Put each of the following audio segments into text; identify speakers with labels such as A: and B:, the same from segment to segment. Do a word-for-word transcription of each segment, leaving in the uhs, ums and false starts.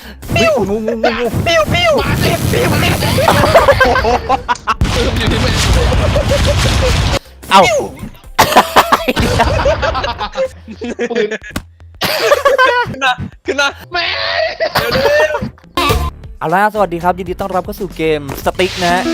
A: ปิ้วงูงูงูงูปิ้วปิ้วมาเต็มปิ้วมาเต็มอยู่ที่ไหนเอ้า
B: ปืนขึ้นมาขึ้นมาแม่เดี๋ยวเดี๋ยว
A: เอาล่ะสวัสดีครับยินดีต้อนรับเข้าสู่เกมสติ๊กนะฮะ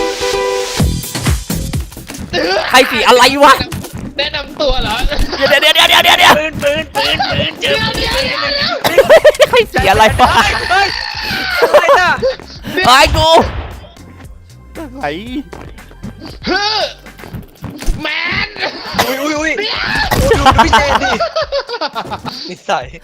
A: ใครสีอะไรวะ
B: แนะนำตัวเหรอ
A: เดี๋ยวเดี๋ยวเดี๋ยวเดี๋ยวเดี๋ยวเดี๋ยวปืนปืนปืนปืนเจอใครสีอะไรวะ
B: เฮ้ยอะไรน่ะ
A: ไอ้กูไอ้
B: ฮึแมน
C: อุ้ยอุ้ยอุ้ยดูพี่เจนดินิสัย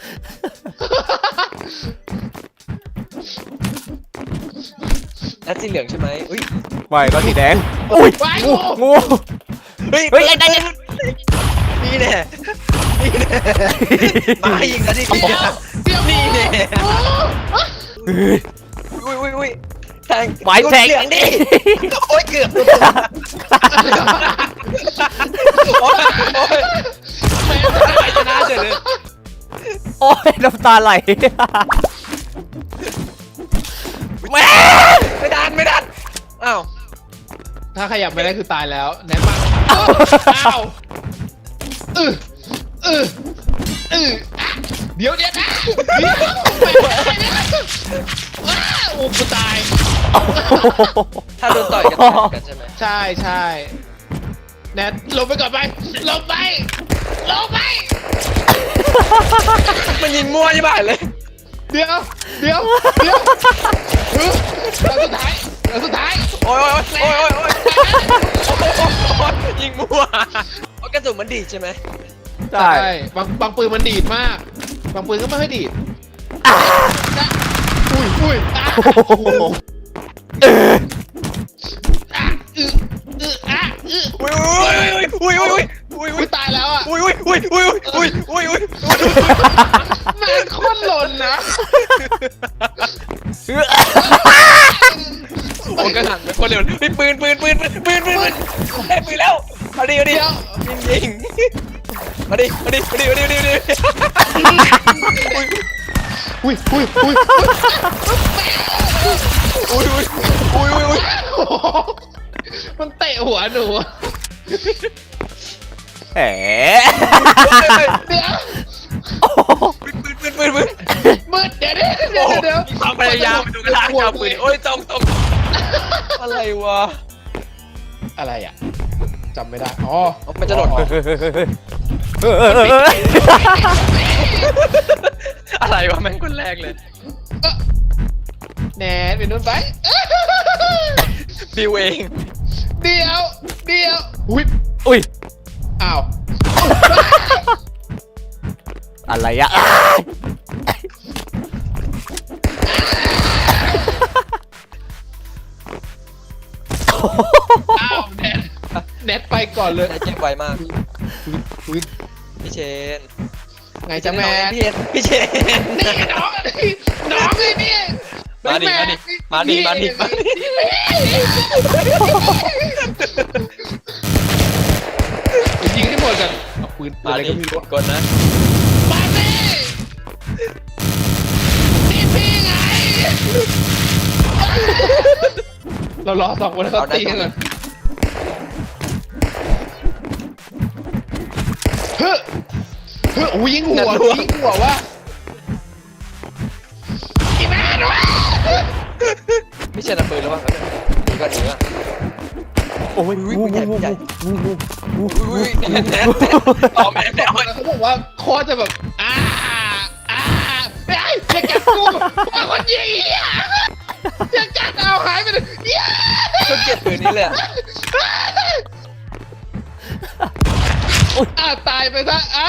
C: แล้วสีเหลืองใช่ไหมอุ้ย
A: ไม่ก็สีแดงอุ้ยงูงู
C: เฮ้ย
A: เฮ้ยไอ้ไอ้
C: นี่แน่นี่แน่มายิงกันดินี่แน่อุ้ยอุ้ยอุ้ยแทง
A: ไม้แทงดิ
C: โอ้ยเกือบโอ้ยโอ้ยไม่ชนะเฉยเลย
A: โอ้ยน้ำตาไหลแม่
C: ไม่ดันไม่ดันอ้าว
B: ถ้าขยับไม่ได้คือตายแล้วแน่มาอ้าวเออเออเออเดี๋ยวเดี๋ยวนะเดี๋ยวไม่ไหวว้าโอ้กูตาย
C: ถ้าโดนต่อยกันต่อยกันใช่ไหม
B: ใช่ใช่แนทลงไปก่อนไปลงไปลงไป
C: มันยิงมั่วยี่บ้าเลย
B: เดี๋ยวเดี๋ยวเดี๋ยวแล้วสุดท้ายแล้วสุดท้าย
C: โอ้ยโอ้ยโอ้ยโอ้ยโอ้ยโอ้ยยิงมั่วกระสุนมันดีใช่ไหม
B: ใช่บางบางปืนมันดีดมากบางปืนก็ไม่ค่อยดีดอุ้ยอุ้ยเอออืออืออ่ะอือ
C: อุ้ยอุ้ยอุ้ยอุ้ยอุ้ย
B: อุ้ยตายแล้วอ่ะ
C: อุ้ยอุ้ยอุ้ยอุ้ยอุ้ยอุ้ยอุ้ย
B: แม่งโคตรหล่นนะ
C: โอ้กระหังเป็นคนเร็วปืนปืนปืนปืนปืนปืนได้ปืนแล้วเอาดิเอาดิยิงยิงมาดิมาดิมาดิมาดิมาดิมาดิ
B: อุ้ยอุ้ยอุ้ย
C: อุ้ยอุ้ยอุ้ยอุ้ยอุ้ย
B: มันเตะหัวหนู
A: แหม
B: เดี๋ยว
C: ปืนปืนปืนปืนปืน
B: มืดเดี๋ยวเดี๋ยวเดี๋ยวเดี๋ยว
C: มีความพยายามดูกระลาจับปืนโอ้ยตรงตรงอะไรวะ
B: อะไรอ่ะจำไม่ได้อ๋อ
C: มันจะหล่นอะไรวะแม่งคนแรกเลย
B: แหนเป็นนู่นไป
C: บิวเอง
B: เดี๋ยวเดี๋ยวอุ้ย
A: อุ้ย
B: อ้าว
A: อะไรอะ
B: อ้าวแนทแนทไปก่อนเลย
C: เจ็บไวมากพี่เชน
B: ไงจะแม่
C: พี่พี่เชน
B: นี่น้องน้องเลยนี่
C: มาดิมาดิมาดิมาดิมาดิ
B: ยิงให้หมดกันเอาปืนอะไรก็ไม่รู้
C: กดนะ
B: มาดินี่พี่ไงเรารอสองคนเขาตีกันก่อนเฮ้ยเฮ้ยโอ้ยิงหัวยิงหัววะอีแม่นวะ
C: พี่เชนเอาปืนแล้ววะนี่ก็หนีวะ
A: โอ้ยงูงูงูงูงูงู
C: อุ้ยแน่แน่ต่อแม่แน่
B: เขาบอกว่าโคตรจะแบบอ่าอ่าไอ้อย่ากัดกูมาคนยิงอ่ะอย่ากัดเอาหายไปเลย
C: ก็เก็บปืนนี้เลย
B: อ่าตายไปซะอ่า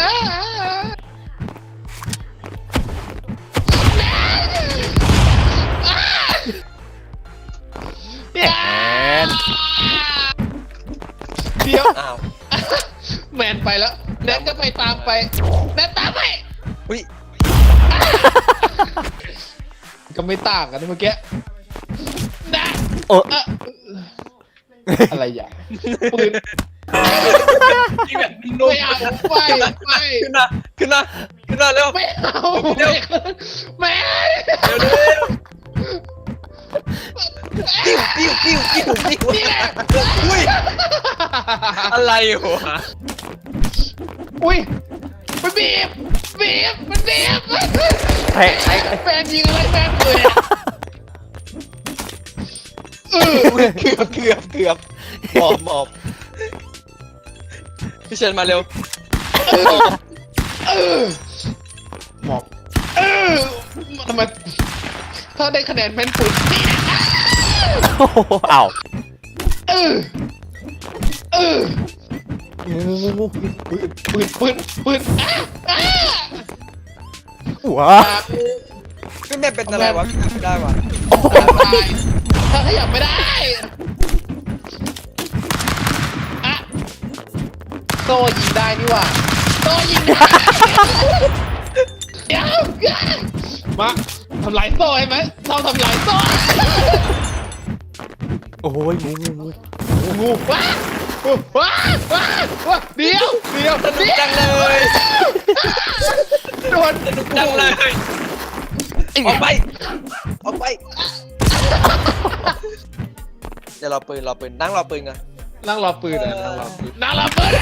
A: แมน
B: เดี๋ยวแมนไปแล้วแนทก็ไปตามไปแนทตามไป
C: อุ้ย
B: ก็ไม่ต่างกันเมื่อกี้นะ
A: เออ
B: อะไรอย่างปืนแบบนุ่ยเอาไปไป
C: ขึ้นมาขึ้นมาขึ้นมาเร็ว
B: ไม่เอาแม่
C: เร็วเร็วปิ้วปิ้วปิ้วปิ้วปิ้วอุ้ยอะไรวะ
B: อุ้ยมันบีบบีบมันบีบ
A: ไอ้ไอ้
B: แฟนยิงอะไรแฟนเลยเออ
C: เกือบเกือบเกือบหมอบหมอบพี่เชนมาเร็ว
B: เออหมอบเออทำไมถ้าได้คะแนนแม่นปืนนี่นะ
A: โอ้โหอ้าว
B: เออเออ
A: งูงูงู
B: ปืนปืนปืนปืนอ่ะอ่ะ
A: หัว
C: พี่แม่เป็นอะไรวะพี่ไม่ได้วะ
A: โอ้โห
B: ตายถ้าขยับไม่ได้อะโซ่ยิงได้นี่หว่าโซ่ยิงได้เดี๋ยวมาทำลายโซ่ให้ไหมเราทำลายโซ่
A: โอ้ยงูงูงู
B: งูว้าว้าว้าว้าเดี๋ยวเดี๋ยว
C: สนุกจังเลย
B: โดน
C: สนุกจังเลยออกไปออกไปเดี๋ยวรอปืนรอปืนนั่งรอปืนกัน
B: นั่งรอปืนอ่ะนั่งรอปืนนั่งรอปืน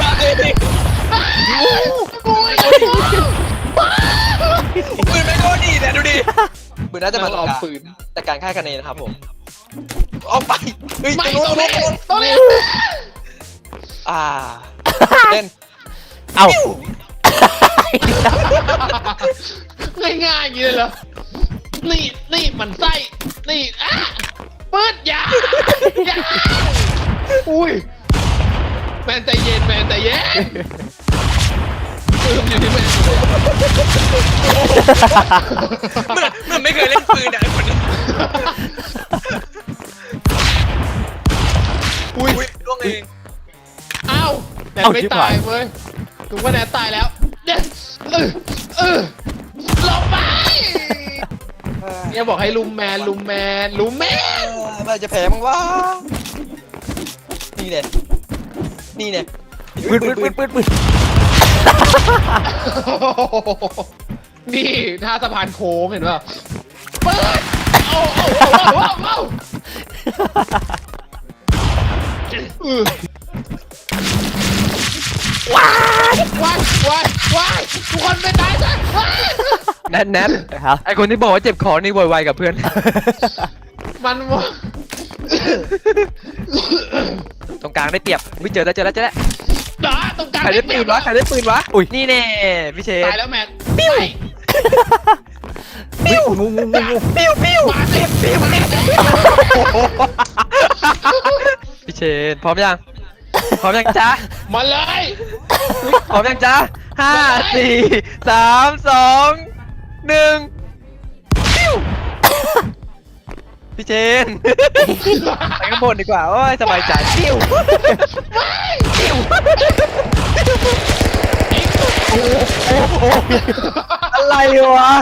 C: ปืนไม่โคตรดีเนี่ยดูดิปืนน่าจะ
B: นั่
C: มาง
B: ร
C: ต่
B: อ
C: อ
B: ปืน
C: แต่การค่ายคะแนนนะครับผมออกไปเฮ้ย
B: ไม่
C: ตรง
B: ตรง
C: นู้
B: นี้
C: น
B: ตรงนี้
C: อ่าเล่น
A: เอ้า
B: ง่ายๆอย่างนี้เลยเหรอนี่นี่มันไส้นี่อ่ะปืนอย่าอย่าอุ้ยแมนใจเย็นแมนใจเย็นปืนอยู่ที่แมน
C: มันมันไม่เคยเล่นปืนอ่ะไอ้คนนี้
B: อุ้ย
C: อุ้ยล่วงเอง
B: อ้าวแนนไม่ตายเว้ยกูว่าแนนตายแล้วเด็ดเออเออหลบไปเนี่ยบอกให้ลุมแมนลุมแมนลุมแมน
C: มันจะแพ้มั้งวะนี่เนี่ยนี่เนี่ย
A: ปืนปืนปืนปืนปืน
B: นี่ท่าสะพานโค้งเห็นป่ะเปิดเอาเอาเอาเอาเอาเออว้ายว้ายว้ายว้ายทุกคนไม่ตายซะว้าย
C: แนทแนท
A: ครับ
C: ไอคนที่บอกว่าเจ็บคอนี่โวยวายกับเพื่อน
B: มันว่า
C: ตรงกลางได้เปรียบวิเจอแล้วเจอแล้วเจอแล้ว
B: ด่าตรงกลาง
C: ใครได้ปืนวะใครได้ปืนวะ
A: อุ้ย
C: นี่แน่พี่เชน
B: ตายแล้วแมนปิ้ว
A: ปิ้วงูงูงูงู
C: ปิ้วปิ้ว
B: มาเต็มปิ้ว
C: พี่เชนพร้อมยังพร้อมยังจ๊ะ
B: มาเลย
C: พร้อมยังจ๊ะห้าสี่สามสองหนึ่งปิ้วพี่เชนไปข้างบนดีกว่าโอ้ยสบายใจปิ้วปิ้วอะไรวะ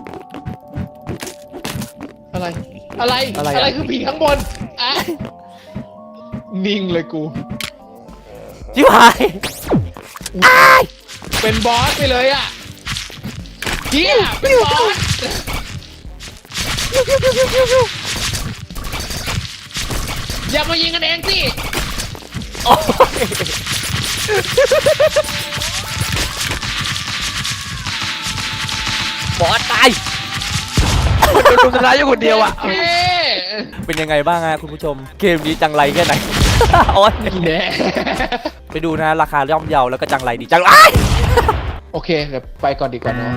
B: อะไร อะไร อะไรคือผีข้างบนอ่ะนิ่งเลยกู
A: ชิบหาย
B: เป็นบอสไปเลยอ่ะเฮียเป็นบอสอย่ามายิงกันเองสิ
A: โอ้ยบอสตาย
C: โดนรุมทำร้ายอยู่คนเดียวอ่ะ
B: เฮ้
A: เป็นยังไงบ้างฮะคุณผู้ชม เกมนี้จังไรแค่ไหน โอ้ย
B: แน่
A: ไปดูนะราคาย่อมเยาแล้วก็จังไรดีจังไร
B: โอเค เดี๋ยวไปก่อนดีกว่าเนาะ